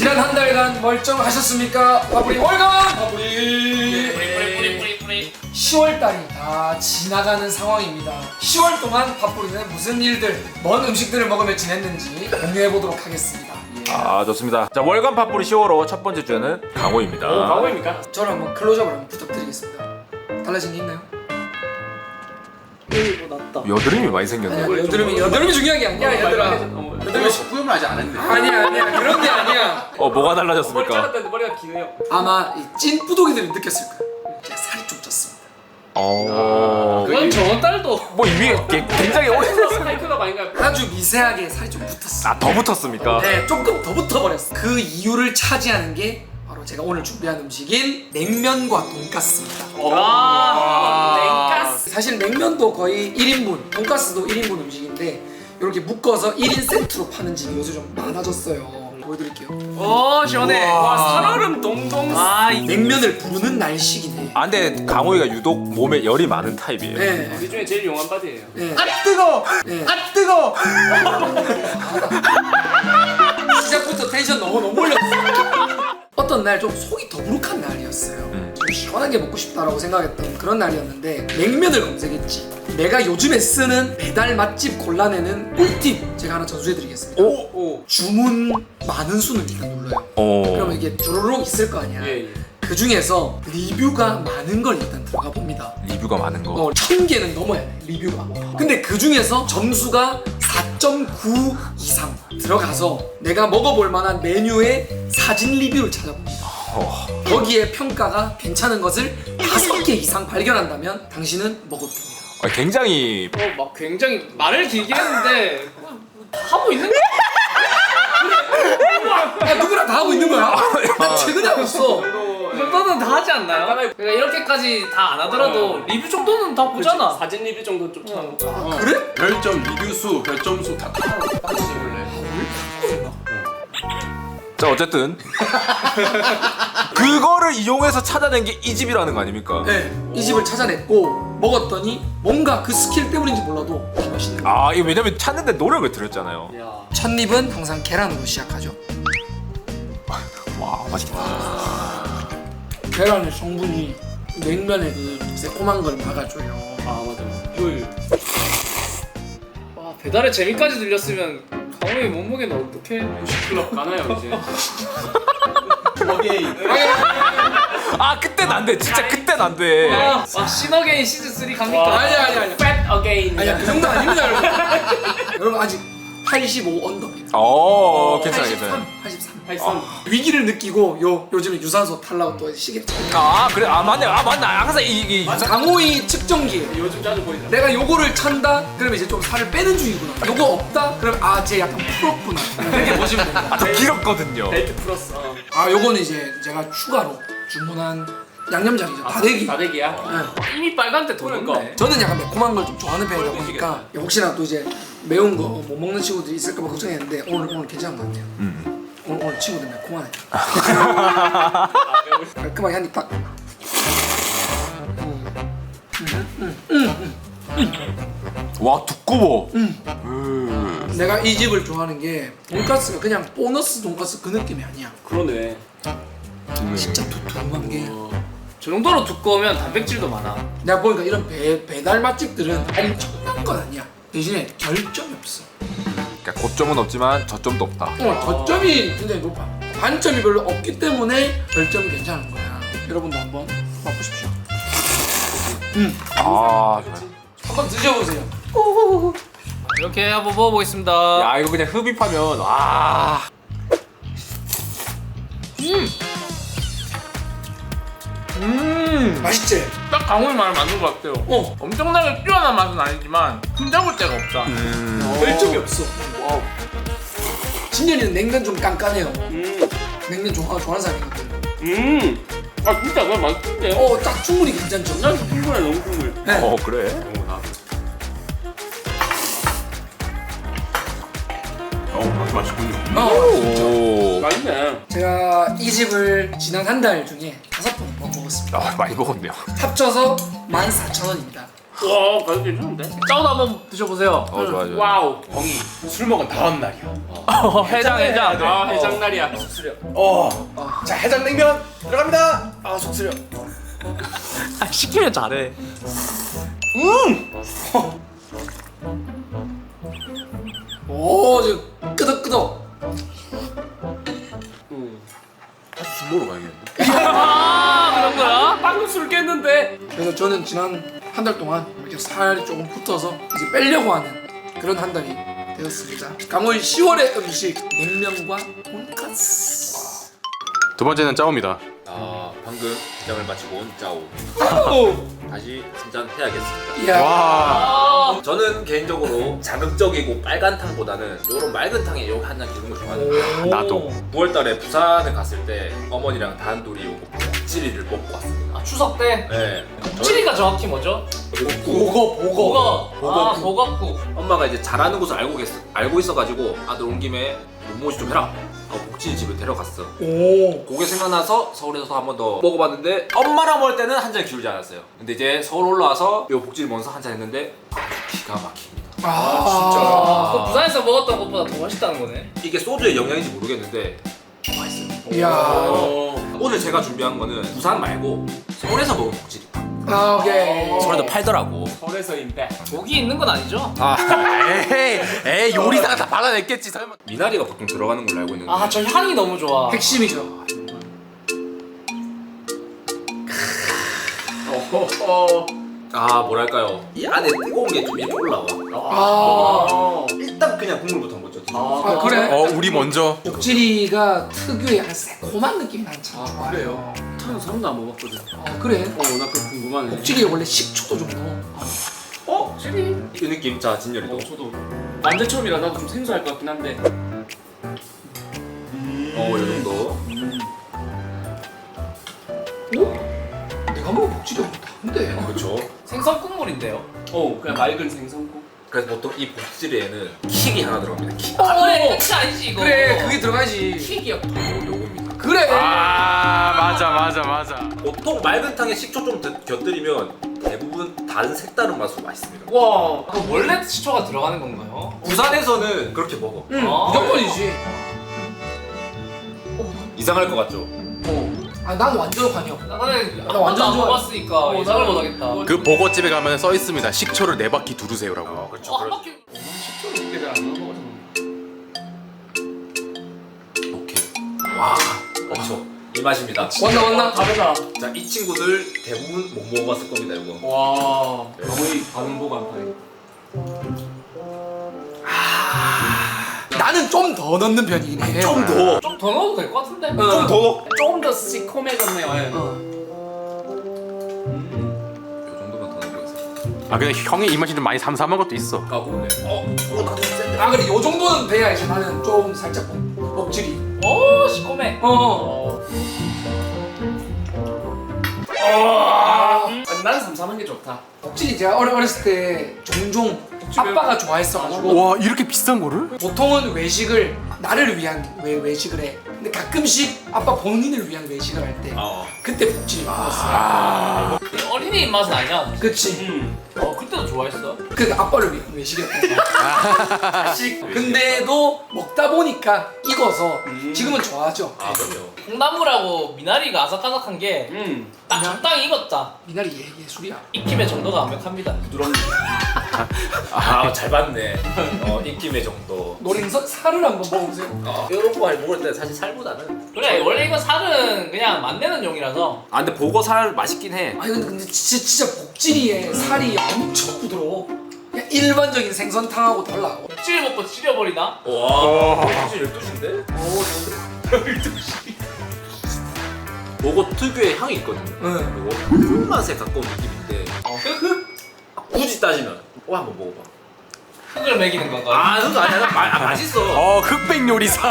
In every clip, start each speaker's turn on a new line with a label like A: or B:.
A: 지난 한 달간 멀쩡하셨습니까? 파뿌리 월간!
B: 뿌리.
A: 10월달이 다 지나가는 상황입니다. 10월 동안 파뿌리는 무슨 일들, 뭔 음식들을 먹으며 지냈는지 공유해보도록 하겠습니다.
C: 아 좋습니다. 자 월간 팝뿌리 10월호 첫 번째 주제는 강호입니다.
B: 강호입니까?
A: 저를 한번 클로즈업을 한번 부탁드리겠습니다. 달라진 게 있나요?
B: 이거 낫다.
C: 여드름이 많이 생겼네.
A: 아니야, 여드름이 중요한 게 아니야, 얘들아.
D: 여드름이 후염을 아직 안 했는데.
A: 아니야, 그런 게 아니야.
C: 뭐가
B: 머리
C: 달라졌습니까?
B: 잘랐다는데 머리가 기네요.
A: 아마 이 찐 뿌독이들이 느꼈을 거예요. 제가 살이 좀 쪘습니다.
B: 그건 저번 달도
C: 뭐 이미 굉장히 오래됐어.
B: 사이클럽 아닌가요?
A: 아주 미세하게 살이 좀 붙었어.
C: 더 붙었습니까?
A: 네, 조금 더 붙어버렸어. 그 이유를 차지하는 게 바로 제가 오늘 준비한 음식인 냉면과 돈가스입니다.
B: 냉가스.
A: 사실 냉면도 거의 1인분, 돈가스도 1인분 음식인데 이렇게 묶어서 1인 세트로 파는 집이 요새 좀 많아졌어요. 보여드릴게요.
B: 오 시원해. 와 살얼음 동동.
A: 냉면을 부르는 날식이네.
C: 근데 강호이가 유독 몸에 열이 많은 타입이에요.
A: 네.
B: 이 중에 제일 용한 바디예요.
A: 네.
D: 아 뜨거!
A: 네.
D: 아 뜨거!
A: 시작부터 텐션 너무 올렸어. 어떤 날 좀 속이 더부룩한 날이었어요. 좀 시원한 게 먹고 싶다라고 생각했던 그런 날이었는데 냉면을 검색했지. 내가 요즘에 쓰는 배달 맛집 골라내는 꿀팁 제가 하나 전수해드리겠습니다.
B: 오.
A: 주문 많은 순을 일단 눌러요. 그러면 이게 주르륵 있을 거 아니야.
B: 예.
A: 그 중에서 리뷰가 많은 걸 일단 들어가 봅니다.
C: 리뷰가 많은 거.
A: 1000개는 넘어야 돼, 리뷰가. 근데 그 중에서 점수가 4.9 이상 들어가서 내가 먹어볼 만한 메뉴의 사진 리뷰를 찾아봅니다. 거기에 평가가 괜찮은 것을 5개 이상 발견한다면 당신은 먹어도 됩니다.
C: 굉장히
B: 막 굉장히 말을 길게 했는데 다 하고 있는 거야.
A: 야, 누구랑 다 하고 있는 거야? 나 최근에 하고 있어.
B: 이 정도는 다 하지 않나요? 그러니까 이렇게까지 다 안 하더라도 리뷰 정도는 다 보잖아. 사진 리뷰 정도는 좀 찾아보고.
A: 그래?
D: 별점, 리뷰수, 별점수 다 따로 찍을래.
C: 자 어쨌든 그거를 이용해서 찾아낸 게 이 집이라는 거 아닙니까?
A: 네, 이 집을 찾아냈고 먹었더니 뭔가 그 스킬 때문인지 몰라도 다 맛있는 거야.
C: 이거 왜냐면 찾는데 노력을 들였잖아요.
B: 야.
A: 첫 입은 항상 계란으로 시작하죠.
C: 와 맛있겠다.
A: 계란의 성분이 냉면의 그 새콤한 걸 막아줘요.
B: 맞아. 와 배달의 재미까지 들렸으면 강호의 몸무게는 어떻게? 90kg 가나요 이제?
D: 어게인.
C: 그땐 안 돼. 진짜 그땐 안 돼.
B: 신어게인 시즌 3 갑니까?
A: 아니야.
B: Fat again.
A: 아니야, 그 정도 아닙니다, 여러분. 여러분 아직 85 언더입니다.
C: 괜찮아.
A: 83.
B: 위기를
A: 느끼고 요즘에 유산소 탈라고 또 시계
C: 그래. 맞네. 항상 이
A: 강호이 측정기예요.
B: 요즘 자주 보이잖아.
A: 내가 요거를 찬다? 그러면 이제 좀 살을 빼는 중이구나. 요거 없다? 그럼 쟤 약간 풀었구나. 이렇게 보시면 됩니다.
C: 더 길었거든요.
B: 벨트 플러스.
A: 요거는 이제 제가 추가로 주문한 양념장이죠. 다대기.
B: 다대기야?
A: 네.
B: 이미 빨간데 도는데.
A: 저는 약간 매콤한 걸 좀 좋아하는 편이다 보니까 혹시나 또 이제 매운 거 못 먹는 친구들이 있을까봐 걱정했는데 오늘 괜찮은 것 같아요. 오늘 친구들 매콤하네. 깔끔하게 한 입 딱.
C: 와 두꺼워.
A: 내가 이 집을 좋아하는 게 돈가스가 그냥 보너스 돈가스 그 느낌이 아니야.
B: 그러네.
A: 진짜 두툼한 게.
B: 저 정도로 두꺼우면 단백질도 많아.
A: 내가 보니까 이런 배달 맛집들은 엄청난 건 아니야. 대신에 결점이 없어.
C: 그러니까 고점은 없지만 저점도 없다.
A: 저점이 굉장히 높아. 단점이 별로 없기 때문에 결점이 괜찮은 거야. 여러분도 한번 맛보십시오.
C: 좋아요.
A: 한번 드셔보세요.
B: 이렇게 한번 먹어보겠습니다.
C: 야 이거 그냥 흡입하면 와.
A: 맛있지?
E: 딱 강호의 말을 맞는 것 같아요. 엄청나게 뛰어난 맛은 아니지만 흠잡을 데가 없다.
A: 결점이 없어. 진열이는 냉면 좀 깐깐해요. 냉면 좋아하는 사람이거든.
E: 진짜 그냥 맛있는데요?
A: 딱 충분히 괜찮죠?
E: 난 충분해, 너무 충분해.
A: 네.
C: 그래?
D: 맛있군요.
C: 오.
E: 맛있네.
A: 제가 이 집을 지난 한 달 중에 5번 먹었습니다.
C: 많이 먹었네요.
A: 합쳐서 14,000원입니다.
E: 와 가격 괜찮은데?
B: 짜오도 한번 드셔보세요.
C: 좋아.
E: 와우.
D: 형이 술 먹은 다음 날이야.
B: 해장.
E: 아 해장날이야.
D: 자 해장냉면 들어갑니다.
A: 아 속쓰려.
B: 시키면 잘해.
A: 오 지금 끄덕끄덕.
D: 술 먹으러 가야겠는데.
B: 아 그런 거야?
E: 방금 술 깼는데.
A: 그래서 저는 지난 한 달 동안 이렇게 살이 조금 붙어서 이제 빼려고 하는 그런 한 달이 되었습니다. 강원 10월의 음식 냉면과 돈까스.
D: 두 번째는 짜오입니다.
C: 방금 기장을 마치고 온 짜오. 다시 한잔해야겠습니다.
A: 이야.
B: 아,
C: 저는 개인적으로 자극적이고 빨간 탕보다는 요런 맑은 탕에 여기 한잔 기는 걸 좋아하는데
D: 나도.
C: 9월달에 부산에 갔을 때 어머니랑 단둘이 요거 복지리를 먹고 왔습니다.
B: 아 추석 때
C: 네.
B: 복지리가 정확히 뭐죠?
A: 보거.
B: 아 보거국.
C: 엄마가 이제 잘하는 곳을 알고 있어가지고 아들 온 김에 몸모시 좀 해라. 복지리 집에 데려갔어.
A: 오.
C: 그게 생각나서 서울에서 한 번 더 먹어봤는데 엄마랑 먹을 때는 한 잔 기울지 않았어요. 근데 이제 서울 올라와서 요 복지리 먹어서 한 잔 했는데 기가 막힙니다.
A: 아
B: 그 부산에서 먹었던 것보다 더 맛있다는 거네.
C: 이게 소주의 영향인지 모르겠는데 맛있어요.
A: 이야.
C: 오늘 제가 준비한 거는 부산 말고 서울에서 먹은 복지리.
A: 아 오케이.
C: 서울에도 팔더라고.
E: 서울에서인데.
B: 고기 있는 건 아니죠?
D: 에이 요리사가 다 받아냈겠지 설마.
C: 미나리가 보통 들어가는 걸로 알고 있는데
B: 아 저 향이 너무 좋아.
A: 핵심이죠.
C: 아 뭐랄까요 이 안에 뜨거운 게 좀 이렇게 올라와.
A: 아.
C: 일단 그냥 국물부터 먼저 드세요.
A: 아 그래?
D: 우리 먼저.
A: 복지리가 특유의 약간 새콤한 느낌이 많잖아.
E: 아 그래요? 타는 사람도 안 먹었거든.
A: 아 그래?
E: 나 그거 궁금하네.
A: 복지리에 원래 식초도 좀 넣어.
E: 칠이?
C: 이 느낌 자 진열이도
E: 저도 완전 처음이라 나도 좀 생소할 것 같긴 한데.
C: 이 정도.
A: 내가 먹은 복지리가 다른데.
C: 그렇죠.
B: 생선 국물인데요.
E: 그냥 맑은 생선국.
C: 그래서 보통 이 복지리에는 킥이 하나 들어갑니다. 킥.
B: 아 그래 끝이 아니지 이거.
A: 그래 그게 들어가야지.
B: 킥이요.
C: 요겁니다.
A: 그래.
D: 맞아.
C: 보통 맑은 탕에 식초 좀 곁들이면 대부분 다른 색다른 맛으로 맛있습니다.
B: 와, 그 원래 식초가 들어가는 건가요?
C: 부산에서는 그렇게 먹어.
A: 응
B: 아.
A: 무조건이지.
C: 이상할 것 같죠?
A: 아 난 완전 관이야.
B: 나는
A: 나 완전
B: 안
A: 좋아.
B: 먹어봤으니까 예상을
E: 나는
B: 못하겠다.
D: 그 보고집에 가면 써 있습니다. 식초를 4바퀴 두르세요라고.
C: 그렇죠.
B: 한 바퀴.
E: 식초를 그렇게 잘안 넣어 먹어서.
C: 오케이. 와, 그렇죠. 이 맛입니다.
A: 왔나?
E: 다르다.
C: 자, 이 친구들 대부분 못 먹어봤을 겁니다, 이거.
E: 와. 거의 반응 보관파이.
A: 나는 좀 더 넣는 편이긴 해.
C: 좀 더.
B: 좀 더 넣어도 될 것 같은데?
C: 좀 더 넣어.
E: 조금 더 시커매졌네요. 예.
C: 이 정도만 더 넣어보겠습니다.
D: 아 근데 형의 입맛이 좀 많이 삼삼한 것도 있어.
C: 아, 그러네. 나도 센데.
A: 아 그래 요 정도는 돼야 이제 나는 좀 살짝 먹질이.
B: 오 시커매.
E: 난 삼삼한 게 좋다.
A: 먹질이 제가 어렸을 때 종종 아빠가 좋아했어가지고
D: 와 이렇게 비싼 거를?
A: 보통은 외식을 나를 위한 외식을 해. 근데 가끔씩 아빠 본인을 위한 외식을 할 때 그때 복질이 먹었어.
B: 어린이 입맛은 아니야.
A: 그치.
B: 그때도 좋아했어.
A: 그 아빠를 위한 외식이었던 거야. 근데도 먹다 보니까 익어서 지금은 좋아하죠.
C: 아, 그럼요.
B: 콩나물하고 미나리가 아삭아삭한 게 딱 적당히 익었다.
A: 미나리 예술이야.
B: 익힘의 정도가 완벽합니다.
C: 아, 잘 봤네. 입김의 정도.
A: 노린선 살을 한번 먹어보세요.
C: 이런 거 많이 먹을 때 사실 살보다는.
B: 그래 원래 이거 살은 그냥 만드는 용이라서.
C: 아, 근데 보고 살 맛있긴 해.
A: 아니 근데 진짜 복질이에 살이 엄청 부드러워. 그냥 일반적인 생선탕하고 달라.
B: 찌를 먹고 찌려버리나?
C: 와, 사실 12시인데? 12시. 보고 특유의 향이 있거든요.
A: 응.
C: 그리고 흙맛에 가까운 느낌인데 굳이 따지면 한번 먹어봐.
B: 흙을 먹이는 건가?
C: 아, 그거 아니야. 맛있어.
D: 흑백 요리사.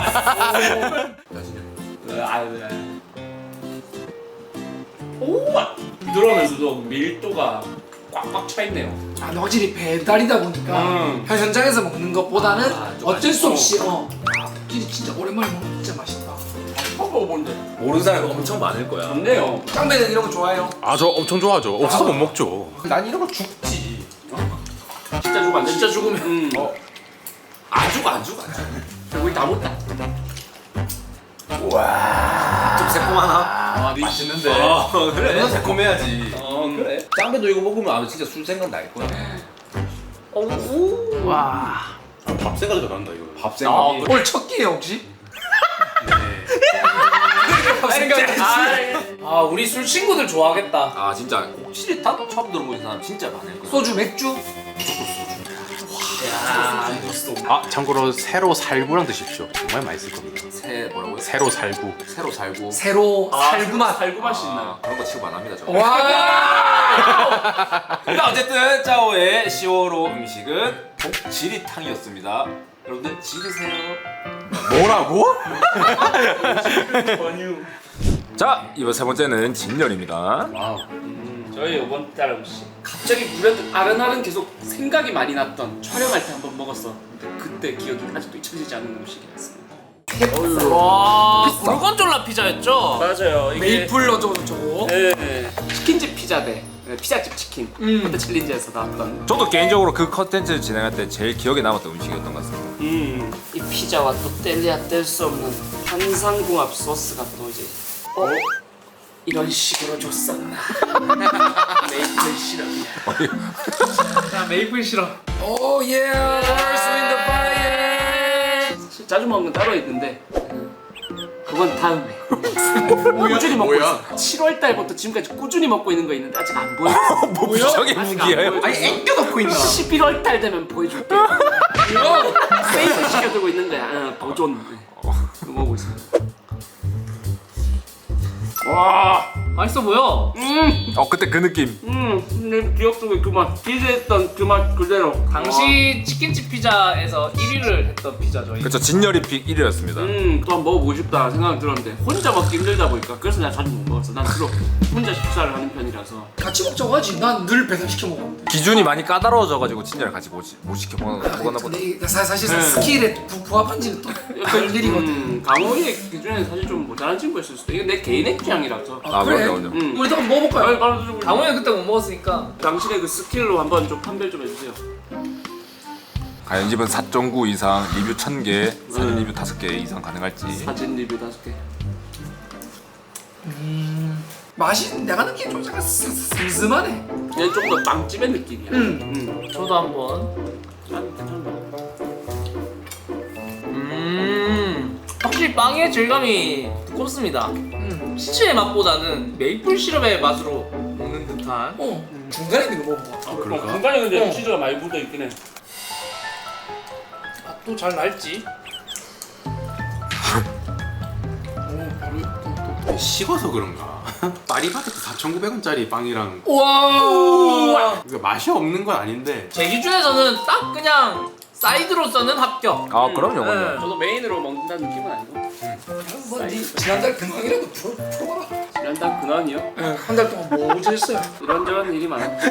E: 부드러우면서도 밀도가 꽉꽉 차 있네요.
A: 아 확실히 배달이다 보니까 현장에서 먹는 것보다는 어쩔 수 없이 복질이 진짜 오랜만에 먹으면 진짜 맛있다.
E: 먹어본데
C: 모르는 사람이 엄청 많을 거야.
E: 좋네요.
A: 짱배는 이런 거 좋아해요?
D: 아 저 엄청 좋아하죠. 없어서 못 먹죠.
E: 난 이런 거 죽지.
B: 진짜 죽으면 안 돼. 진짜 죽으면.
C: 안 죽어.
B: 우리 다 못다.
C: 좀 새콤하나?
E: 맛있는데.
C: 그래.
D: 너 새콤해야지.
C: 그래. 짱배도 이거 먹으면 아마 진짜 술 생각 날 거야.
B: 와.
D: 밥 생각도 난다 이거.
C: 밥 생각이.
A: 오늘 첫 끼예요 혹시?
B: 아 우리 술 친구들 좋아하겠다.
C: 아 진짜 치리탄 처음 들어보는 사람 진짜 많을 거야.
A: 소주 맥주?
D: 아 참고로 새로 살구랑 드십시오. 정말 맛있을 겁니다.
C: 뭐라고요?
D: 새로 살구.
C: 새로 살고.
A: 새로 살구맛.
B: 살구 맛이 있나?
C: 그런 거 취급 안 합니다 저.
A: 와.
C: 자 어쨌든 짜오의 10월호 음식은 복지리탕이었습니다. 여러분들 지리세요.
D: 뭐라고?
C: 자 이번 세 번째는 진열입니다.
B: 저희 이번 달 음식.
A: 갑자기 불현듯 아른아른 계속 생각이 많이 났던 촬영할 때 한번 먹었어. 근데 그때 기억이 아직도 잊혀지지 않는 음식이었어.
B: 와 고르곤졸라 피자였죠?
E: 맞아요.
A: 메이플 어쩌고 저쩌고.
E: 네.
A: 치킨집 피자대. 피자집 치킨. 그때 챌린지에서 나왔던.
C: 저도 개인적으로 그 컨텐츠 진행할 때 제일 기억에 남았던 음식이었던 것 같습니다.
B: 이 피자와 또 뗄래야 뗄 수 없는 환상궁합 소스가 또 이제 이런 식으로 줬었나. 메이플 시럽이야. 자 메이플 시럽.
A: 오 예. Earth, Wind, Fire.
B: 자주 먹는 거 따로 있는데 그건 다음에. 꾸준히 먹고 있어. 7월 달부터 지금까지 꾸준히 먹고 있는 거 있는데 아직 안 보여.
C: 뭐 부정의
B: 아직
C: 무기예요?
B: 안 보여줬어.
A: 앵겨 넣고 있나?
B: 11월 달 되면 보여줄게. 세이브 시켜두고 있는 거야. 보존. 이거 먹고 있어. 와 맛있어 보여.
C: 그때 그 느낌.
B: 내 기억 속에 그 맛, 기대했던 그 맛 그대로. 당시 치킨집 피자에서 1위를 했던 피자죠.
C: 그렇죠. 진열이 픽 1위였습니다.
B: 또 한번 먹어보고 싶다 생각이 들었는데 혼자 먹기 힘들다 보니까 그래서 내가 자주 못 먹었어. 난 주로 혼자 식사를 하는 편이라서.
A: 같이 먹자고 하지. 난 늘 배달시켜 먹어.
C: 기준이 많이 까다로워져가지고 진열을 같이 못 시켜 먹었나 보다.
A: 근데 이게 사실 스킬에 부합한지는 또 별일이거든.
B: 강호의 기준에 사실 좀 모자란 친구였을 수도. 이게 내 개인의 취향이라서.
C: 아 그럼요.
A: 우리도 한번 먹어볼까요?
B: 강호는 그때 못 먹었으니까 당신의 그 스킬로 한번 좀 판별 좀 해주세요.
C: 과연 이 집은 4.9 이상, 리뷰 1000개, 사진 리뷰 5개 이상 가능할지.
B: 사진 리뷰 5개.
A: 맛이 내가 느끼기엔 좀 약간 슴슴하네.
B: 얘는 좀 더 빵집의 느낌이야. 저도 한번. 확실히 빵의 질감이 두껍습니다. 치즈의 맛보다는 메이플 시럽의 맛으로 먹는 듯한.
A: 중간에 있는 거 먹어봐.
B: 그럴까? 중간에 근데 치즈가 많이 묻어 있긴 해. 맛도 잘 날지.
D: 식어서 그런가? 파리바게트 4,900원짜리 빵이랑
A: 와.
D: 이거 맛이 없는 건 아닌데
B: 제 기준에서는 딱 그냥 사이드로서는 합격.
C: 아 그럼요.
B: 저도 메인으로 먹는다는 느낌은 아니고.
A: 한번 지난달 근황이라도 풀어봐라.
B: 지난달 근황이요?
A: 한 달 동안 뭐 했어요?
B: 이런저런 일이 많았죠.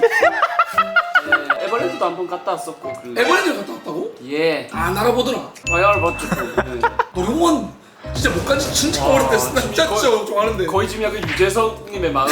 B: 에버랜드도 한번 갔다 왔었고.
A: 에버랜드를 갔다 왔다고?
B: 예.
A: 안 알아보더라.
B: 화야를 맞췄고.
A: 노령원 진짜 못 간지 진짜 오래됐어. 나 진짜 좋아하는데.
B: 거의 지금 약간 유재석님의 마음.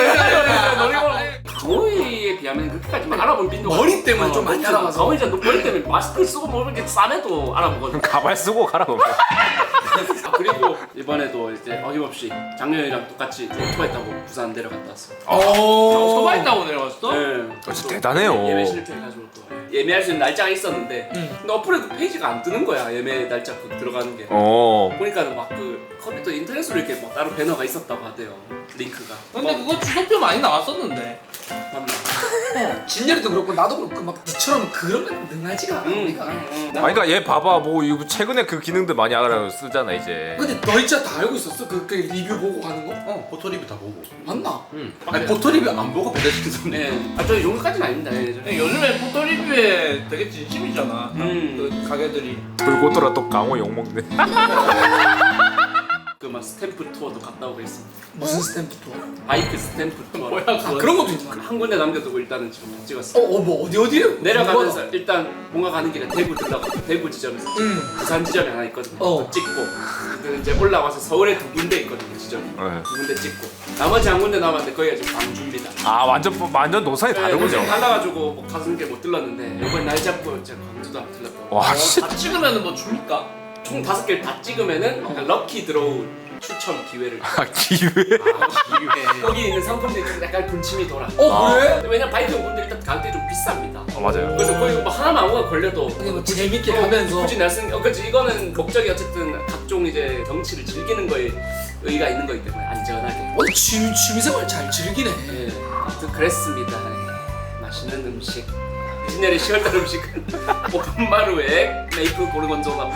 B: 강호이에 비하면 그렇게까지 막 알아본 빈도가
A: 머리 때문에 좀 많이 알아봐서.
B: 강호이 진짜 머리 때문에 마스크 쓰고 먹는 게 쌈에도 알아보거든.
C: 가발 쓰고 가라 그러면.
B: 그리고 이번에도 이제 어김없이 작년이랑 똑같이 오토바이 타고 부산 내려갔다 왔어.
A: 오토바이
B: 타고 내려갔어? 네.
C: 진짜 대단해요.
B: 예매 실패해가지고 또 예매할 수 있는 날짜가 있었는데 근데 어플에 그 페이지가 안 뜨는 거야. 예매 날짜 들어가는 게. 보니까 막 그 컴퓨터 인터넷으로 이렇게 막 따로 배너가 있었다고 하대요. 링크가. 근데 그거 주소표 많이 나왔었는데. 맞나?
A: 진열이도 그렇고 나도 그렇고 막 니처럼 그런 건 능하지가 않아 우리가.
C: 그러니까 얘 봐봐 뭐 이거 최근에 그 기능들 많이 알아 쓰잖아 이제.
A: 근데 너 진짜 다 알고 있었어? 그 리뷰 보고 가는 거?
D: 포토 리뷰 다 보고
A: 맞나?
D: 아니 포토 리뷰 안 보고 배달시킨 사람
B: 네. 저 이 정도까지는 아닙니다. 요즘에 포토 리뷰에 되게 진심이잖아. 그 가게들이.
C: 돌고 돌아 또 강호 욕먹네.
B: 그 막 스탬프 투어도 갔다 오고 있습니다.
A: 무슨 스탬프 투어?
B: 바이크 스탬프 투어.
E: 뭐야,
A: 아, 그런 것도 있나?
B: 한 군데 남겨두고 일단은 지금 다 찍었어요.
A: 뭐 어디에요?
B: 내려가면서 일단 뭔가 가는 길에 대구 들러가 대구 지점에서 부산 지점이 하나 있거든요. 그거 찍고 그다음에 이제 올라와서 서울에 두 군데 있거든요 지점이.
C: 네.
B: 두 군데 찍고 나머지 한 군데 남았는데 거기가 지금 광주입니다.
C: 아 완전 노선이 다르군요.
B: 달라가지고 뭐 가는 게 못 들렀는데 이번 날 잡고 제가 광주도 안 들렀고.
C: 와 씨.
E: 다 찍으면 뭐 줍니까?
B: 총 5개를 다 찍으면은 약간 럭키 드로우 추첨 기회를.
C: 아 기회.
B: 거기 있는 상품들이 좀 약간 군침이 돌아.
A: 그래?
B: 왜냐면 바이크 용품들이 일단 가격대 좀 비쌉니다.
C: 맞아요.
B: 그래서 거기 뭐 하나만 아무거나 걸려도
A: 그냥 뭐 재밌게 가면서
B: 굳이 날쓴 그렇지 이거는 목적이 어쨌든 각종 이제 경치를 즐기는 거에 의의가 있는 거기 때문에 안전하게.
A: 취미생활 잘 즐기네.
B: 예, 아무튼 그랬습니다. 예, 맛있는 음식. 진열의 10월달 음식은 볶음마루에 메이플 고르곤졸라.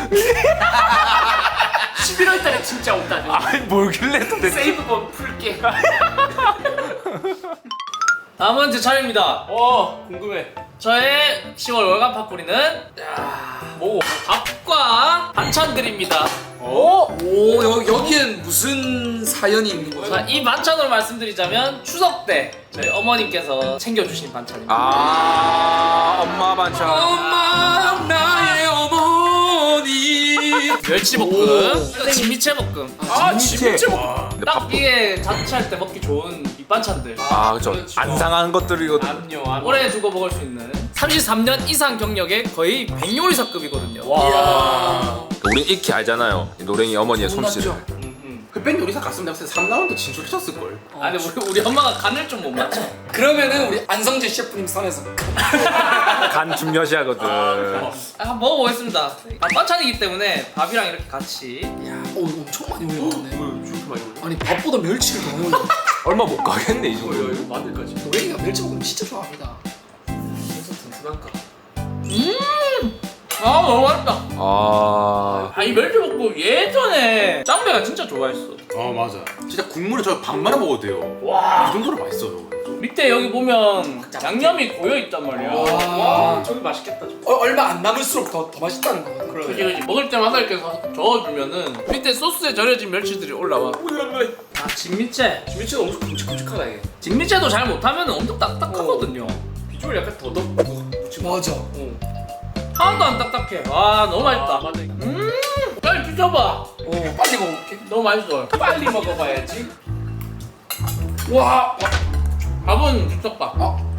B: 11월달에 진짜 없다.
C: 아니 뭘길래 또 내.
B: 세이브본 풀게.
E: 다음은 제 차례입니다.
B: 궁금해.
E: 저의 10월 월간 팝뿌리는 뭐 밥과 반찬들입니다.
A: 여기엔 무슨 사연이 있는 거죠?
E: 자, 이 반찬으로 말씀드리자면 추석 때 저희 어머님께서 챙겨주신 반찬입니다.
C: 아 엄마 반찬.
A: 엄마 나의 어머니.
E: 멸치볶음, 진미채볶음.
C: 진미채.
E: 딱 이게 자취할 때 먹기 좋은 밑반찬들.
C: 아 그렇죠. 안 상한 것들이거든.
E: 오래 두고 먹을 수 있는 33년 이상 경력의 거의 백요리사급이거든요.
C: 우린 익히 알잖아요. 이 노랭이 어머니의 솜씨를.
D: 흑백 요리사 갔으면 내가 3라운드 진출하셨을걸.
E: 아니 우리 엄마가 간을 좀 못 맞춰.
A: 그러면은 우리 안성재 셰프님 선에서
C: 간 중요시하거든.
E: 한번 먹어보겠습니다. 반찬이기 때문에 밥이랑 이렇게 같이.
A: 엄청 많이 올려놨네. 아니 밥보다 멸치를 더 올려.
C: 얼마 못 가겠네 이 정도.
B: 이거 마늘까지.
A: 노랭이가 멸치볶음 진짜 좋아합니다.
B: 그래서 튼튼한가?
E: 너무 맛있다.
C: 아
E: 이 멸치볶음 예전에 짱배가 진짜 좋아했어.
D: 맞아. 진짜 국물에 저 밥 말아 먹어도 돼요. 이 정도로 맛있어요.
E: 밑에 여기 보면 양념이 고여 있단 말이야.
A: 와,
B: 저기 맛있겠다.
A: 얼마 안 남을수록 더 맛있다는 거 같아.
E: 그치. 먹을 때마다 이렇게 저어주면은 밑에 소스에 절여진 멸치들이 올라와. 진미채.
B: 진미채가 엄청 굵직굵직하다 이게.
E: 진미채도 잘 못하면 엄청 딱딱하거든요.
B: 비주얼 약간 더덕.
A: 맞아.
E: 하나도 안 딱딱해. 와 너무 맛있다.
B: 맞아.
E: 빨리 드셔봐.
A: 빨리 먹어볼게.
E: 너무 맛있어.
B: 빨리 먹어봐야지.
A: 와,
E: 밥은 즉석밥.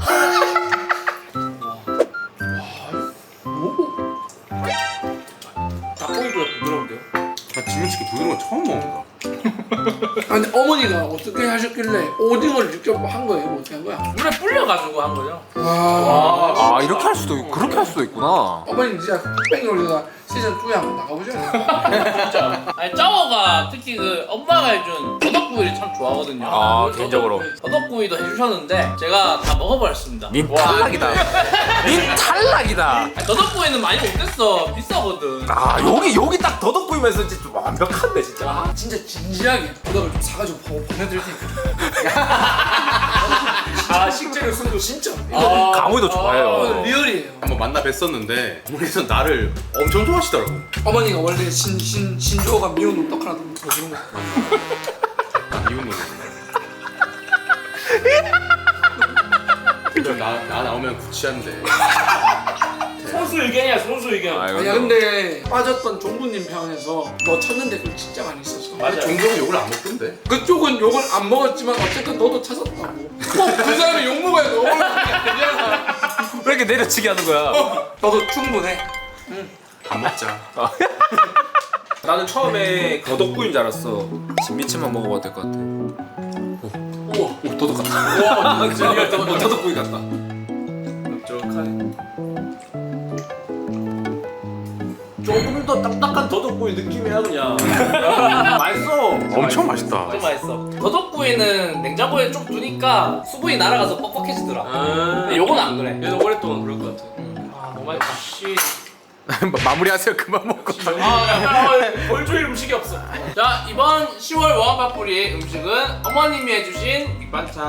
B: 닭고기보다 부드러운데요?
D: 나 지면치기 부드러운 거 처음 먹는다.
A: 아니 어머니가 어떻게 하셨길래 오징어를 직접 한 거예요? 뭐 어떻게 한 거야?
E: 물에 불려가지고 한 거죠.
A: 와,
C: 아 이렇게 할 수도 그렇게 할 수도 있구나.
A: 어머니 진짜 흑백 요리사 시즌 2에 한번 나가보셔야 돼요.
E: 아니 짜오가 특히 그 엄마가 해준 더덕구이를 참 좋아하거든요.
C: 아 개인적으로.
E: 더덕구이도 해주셨는데 제가 다 먹어버렸습니다.
C: 닌 탈락이다. 닌 탈락이다.
E: 아니, 더덕구이는 많이 못했어. 비싸거든.
C: 아 여기 딱 더덕 보이면서 진짜 완벽한데 진짜.
A: 진짜 진지하게 도덕을 좀 사가지고 보내드릴 테니까.
B: 아 식재료 순도
A: 진짜.
C: 강호이도 좋아해요.
A: 리얼이에요.
D: 한번 만나 뵀었는데 어머니서 나를 엄청 좋아하시더라고.
A: 어머니가 원래 신조어가 미운 놈떡 하나 더 주는 거.
D: 이웃 노래. 나 나오면 구치한데.
B: 선수 의견이야 선수 의견.
A: 아니야 근데 빠졌던 종부님 편에서 너 찾는 댓글 진짜 많이 있었어.
B: 맞아.
D: 종종은 욕을 안 먹던데.
A: 그쪽은 욕을 안 먹었지만 어쨌든 너도 찾았다고. 꼭 그 사람이 욕 먹어야 너 올라가냐.
C: 왜 이렇게 내려치게 하는 거야?
A: 너도 충분해.
D: 밥 먹자.
C: 나는 처음에 더덕구이인 줄 알았어. 진미채만 먹어봐도 될 것 같아. 오 더덕 같다. 와 진짜 더덕구이 같다.
B: 쫀쫀하네.
C: 조금 더 딱딱한 더덕구이 느낌이야 그냥. 맛있어.
D: 엄청 맛있다.
E: 좀 맛있어. 더덕구이는 냉장고에 좀 두니까 수분이 날아가서 뻑뻑해지더라. 근데 요건 안 그래.
B: 얘는 오랫동안 그럴 것 같아.
E: 너무 맛있다. 씨.
C: 마무리하세요. 그만 먹고.
B: 벌초일 음식이 없어.
E: 자 이번 10월 워한밥뿌리의 음식은 어머님이 해주신 밑반찬.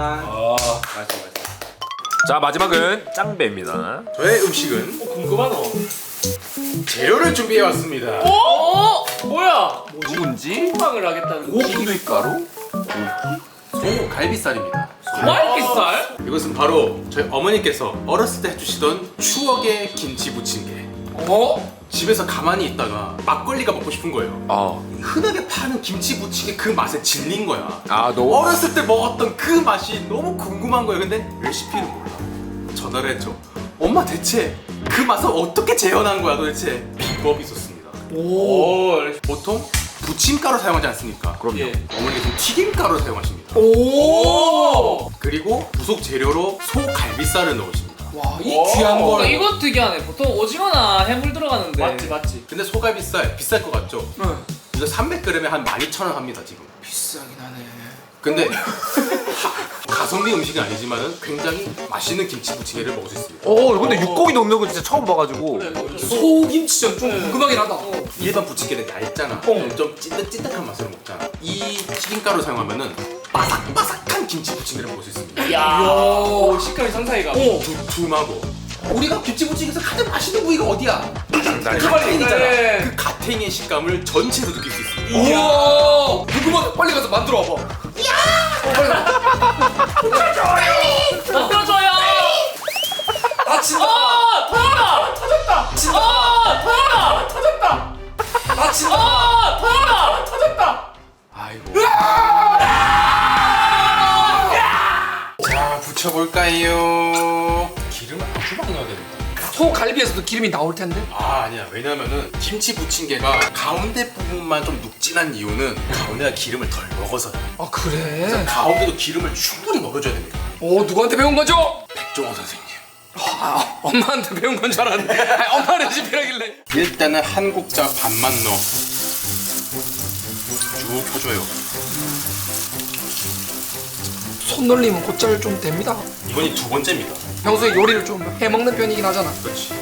D: 맛있어.
C: 자 마지막은 짱배입니다.
D: 저의 음식은
B: 궁금하다.
C: 재료를 준비해왔습니다.
E: 뭐야?
D: 누군지?
B: 호박을 하겠다는
D: 고춧가루?
C: 소 갈비살입니다.
E: 갈비살?
C: 이것은 바로 저희 어머니께서 어렸을 때 해주시던 추억의 김치 부침개. 집에서 가만히 있다가 막걸리가 먹고 싶은 거예요. 흔하게 파는 김치 부침개 그 맛에 질린 거야.
D: 너
C: 어렸을 때 먹었던 그 맛이 너무 궁금한 거예요. 근데 레시피는 몰라. 전화를 했죠. 엄마 대체 그 맛을 어떻게 재현한 거야 도대체? 비법이 있었습니다. 보통 부침가루 사용하지 않습니까?
D: 그럼요.
B: 예.
C: 어머니께서는 튀김가루 사용하십니다. 그리고 부속 재료로 소 갈비살을 넣으십니다.
A: 와, 이 귀한 걸.
E: 이거 특이하네. 보통 오징어나 해물 들어가는데.
B: 맞지.
C: 근데 소갈비살 비쌀 것 같죠?
A: 응.
C: 이거 300g에 한 12,000원 합니다 지금.
A: 비싸긴 하네.
C: 근데 가성비 음식은 아니지만은 굉장히 맛있는 김치 부침개를 먹을 수 있습니다.
D: 근데 육고기 넣는 거 진짜 처음 봐가지고.
A: 소김치전 좀 궁금하긴 하다.
C: 일반 부침개는 얇잖아. 좀 찐득찐득한 맛으로 먹잖아. 이 튀김가루 사용하면은 바삭바삭한 김치 부침개를 먹을 수 있습니다.
B: 이야. 식감이 상상이가.
C: 두툼하고. 우리가 김치 부침개에서 가장 맛있는 부위가 어디야? 가탱이잖아.
B: 네.
C: 그 가탱이의 식감을 전체로 느낄 수 있습니다.
A: 우와. 궁금하다. 빨리 가서 만들어 와봐.
E: 만들어줘요.
A: 다친다.
E: 터져라. 터졌다.
A: 다친다.
E: 터져라. 터졌다.
A: 다친다.
E: 터져라. 터졌다.
C: 아이고. 자, 붙여볼까요? 기름을 아주 많이 넣어야 됩니다.
A: 소 갈비에서도 기름이 나올 텐데.
C: 아니야. 왜냐면은 김치 부침개가 가운데 부분만 좀 눅진한 이유는 가운데가 기름을 덜 먹어서요.
A: 아, 그래?
C: 가운데도 기름을 충분히 먹여줘야 됩니다.
A: 누구한테 배운 거죠?
C: 백종원 선생님.
A: 엄마한테 배운 건 줄 알았는데. 아니, 엄마 레시피라길래.
C: 일단은 한 국자 반만 넣어. 쭉 펴줘요.
A: 손 놀리면 곧잘 좀 됩니다.
C: 이번이 두 번째입니다.
A: 평소에 요리를 좀 해먹는 편이긴 하잖아.
C: 그렇지.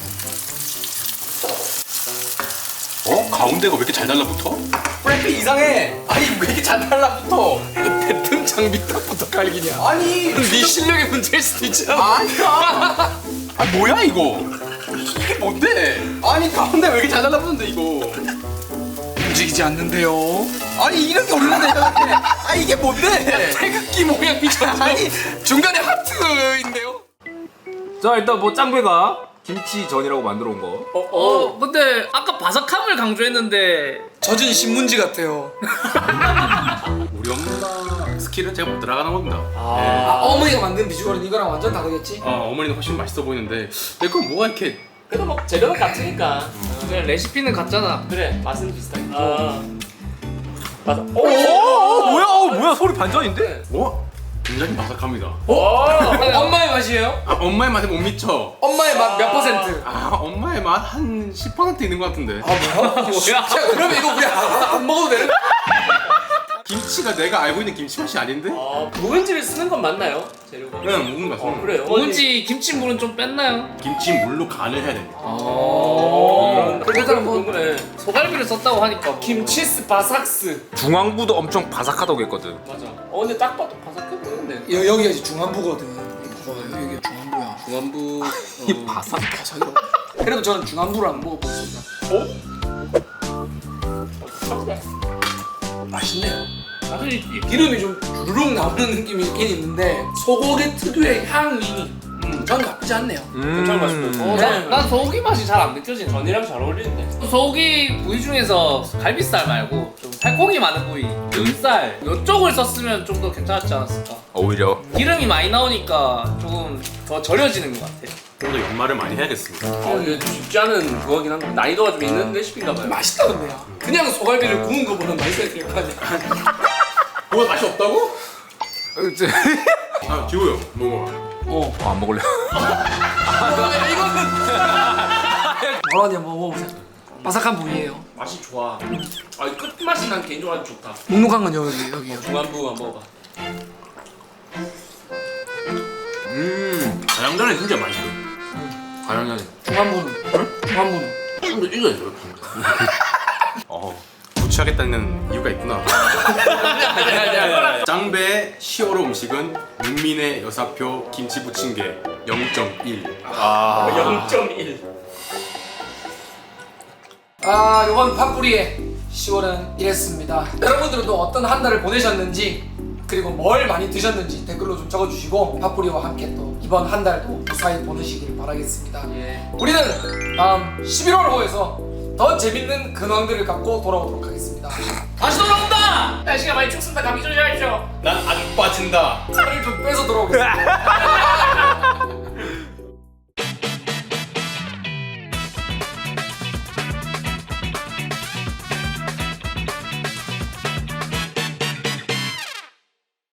C: 가운데가 왜 이렇게 잘 달라붙어? 프라이팬 이상해. 아니 왜 이렇게 잘 달라붙어?
A: 대통장 밑밥부터 갈기냐.
C: 아니
A: 네 실력의 문제일 수도 있잖아.
C: 아니야. 아 뭐야 이거? 이게 뭔데? 아니 가운데 왜 이렇게 잘 달라붙는데 이거?
A: 움직이지 않는데요.
C: 아니 이렇게 올리는데 이렇게. 아 이게 뭔데?
A: 태극기 모양 미쳤어. 아니 중간에 하트인데요.
F: 자 일단 뭐 짱배가 김치전이라고 만들어 온 거.
E: 근데 아까 바삭함을 강조했는데
A: 젖은 신문지 같아요.
C: 우리 엄마 스킬은 제가 못 들어가는 겁니다.
A: 어머니가 만든 비주얼은 이거랑 완전 다르겠지?
C: 어머니는 훨씬 맛있어 보이는데 그건 뭐가 이렇게
B: 그래도 뭐 재료는 같으니까.
E: 그냥 레시피는 같잖아.
B: 그래 맛은 비슷하게. 맞아.
F: 뭐야 소리 반전인데?
C: 굉장히 바삭합니다.
A: 엄마의 맛이에요?
C: 엄마의 맛에 못 미쳐.
A: 엄마의 맛 몇 퍼센트?
C: 엄마의 맛 한 10% 있는 것 같은데.
A: 야, 그러면 이거 우리 안 먹어도 되는?
C: 김치가 내가 알고 있는 김치 맛이 아닌데?
B: 묵은지를 쓰는 건 맞나요? 재료가?
C: 그냥 묵은 맛.
B: 그래요.
E: 뭔지 김치물은 좀 뺐나요?
C: 김치 물로 간을 해야 됩니다.
A: 그래도 뭐
B: 그래.
E: 소갈비를 썼다고 하니까 뭐.
B: 김치스 바삭스.
F: 중앙부도 엄청 바삭하다고 했거든.
B: 맞아. 근데 딱 봐도 바삭해 보이는데.
A: 여기가 이제 중안부거든. 여기가 중안부야.
B: 중안부.
F: 이 바삭.
A: 바삭이라고. 그래도 저는 중안부를 한번 먹어보겠습니다. 맛있네요.
E: 사실
A: 기름이 좀 주르륵 나오는 느낌이 있긴 있는데 소고기 특유의 향이 전 나쁘지 않네요.
B: 괜찮은 맛있고.
E: 난 소고기 맛이 잘 안 느껴지네.
B: 전이랑 잘 어울리는데.
E: 소고기 부위 중에서 갈비살 말고 좀 살코기 많은 부위, 등살 이쪽을 썼으면 좀 더 괜찮았지 않았을까?
F: 오히려
E: 기름이 많이 나오니까 조금 더 절여지는 것 같아.
C: 좀 더 연말을 많이 해야겠습니다.
B: 이게 좀 쉽지 않은 그거긴 한데 난이도가 좀 있는 레시피인가 봐요.
A: 맛있다 근데요. 그냥 소갈비를 구운 거보다 맛있어야 될 거 아니야.
C: 뭐가 맛이 없다고? 지호야 먹어.
F: 안 먹을래.
A: 이거는 뭐라냐 먹어보세요. 바삭한 부위예요.
B: 맛이 좋아. 끝맛이 난 개인적으로 아주 좋다.
A: 눅눅한 건 여기요.
B: 중안부 한번 먹어봐.
C: 가양자는 진짜 맛있어. 가양자는.
A: 중안부는.
C: 근데 이거 부치하겠다는 이유가 있구나. 짱배의 시어로 음식은 문민의 여사표 김치 부침개 0.1.
B: 0.1.
A: 이번 팝뿌리의 10월은 이랬습니다. 여러분들은 또 어떤 한 달을 보내셨는지 그리고 뭘 많이 드셨는지 댓글로 좀 적어주시고 팝뿌리와 함께 또 이번 한 달도 무사히 보내시길 바라겠습니다. 우리는 다음 11월 호에서 더 재밌는 근황들을 갖고 돌아오도록 하겠습니다.
E: 다시 돌아온다.
B: 날씨가 많이 춥습니다. 감기 조심하십시오.
C: 난 아주 빠진다.
A: 살을 좀 빼서 돌아오겠습니다.